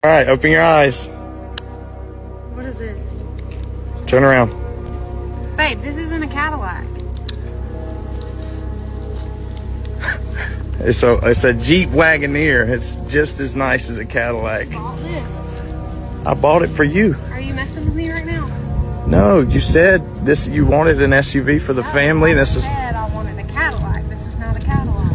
All right, open your eyes. What is this? Turn around. Babe, this isn't a Cadillac. It's a Jeep Wagoneer. It's just as nice as a Cadillac. Bought this. I bought it for you. Are you messing with me right now? No, you said this. You wanted an SUV for the family. This is. I said I wanted a Cadillac. This is not a Cadillac.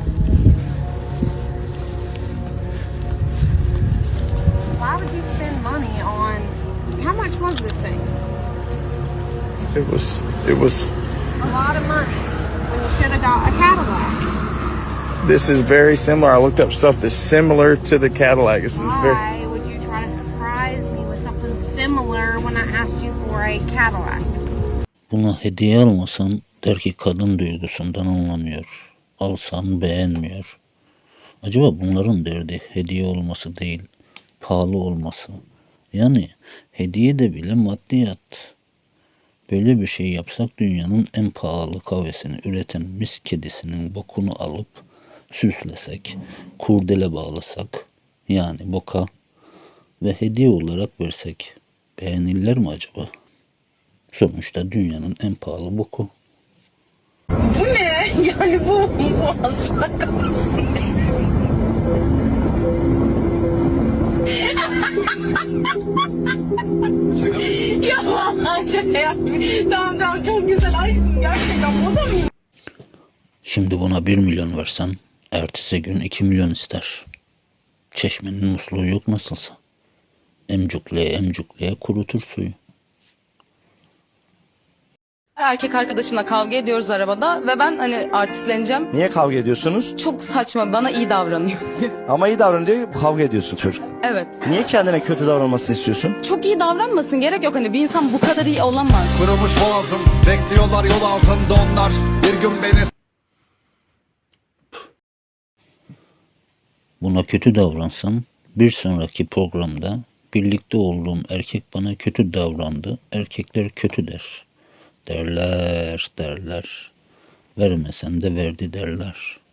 Why would you spend money on? How much was this thing? It was. A lot of money when you should have got a Cadillac. This is very similar. I looked up stuff that's similar to the Cadillac. This is very. Why would you try to surprise me with something similar when I asked you for a Cadillac? Buna hediye almasan der ki kadın duygusundan anlamıyor. Alsan beğenmiyor. Acaba bunların derdi hediye olması değil, pahalı olması. Yani hediye de bile maddiyat. Böyle bir şey yapsak dünyanın en pahalı kahvesini üreten mis kedisinin bokunu alıp süslesek, kurdele bağlasak, yani boka ve hediye olarak versek beğenirler mi acaba? Sonuçta dünyanın en pahalı boku. Bu ne? Yani bu muhakkak Ya vallahi şaka yapmıyorum. Tamam çok güzel aşkım gerçekten bu da mı? Şimdi buna 1 milyon versen ertesi gün 2 milyon ister. Çeşmenin musluğu yok nasılsa. Emcukleye kurutur suyu. Erkek arkadaşımla kavga ediyoruz arabada ve ben hani artistleneceğim. Niye kavga ediyorsunuz? Çok saçma, bana iyi davranıyor. Ama iyi davran diye kavga ediyorsun çocuk. Evet. Niye kendine kötü davranmasını istiyorsun? Çok iyi davranmasın, gerek yok, hani bir insan bu kadar iyi olamaz. Kurumuş boğazım, bekliyorlar yol altında onlar. Bir gün beni Buna kötü davransam bir sonraki programda birlikte olduğum erkek bana kötü davrandı. Erkekler kötü der. Derler. Vermesen de verdi derler.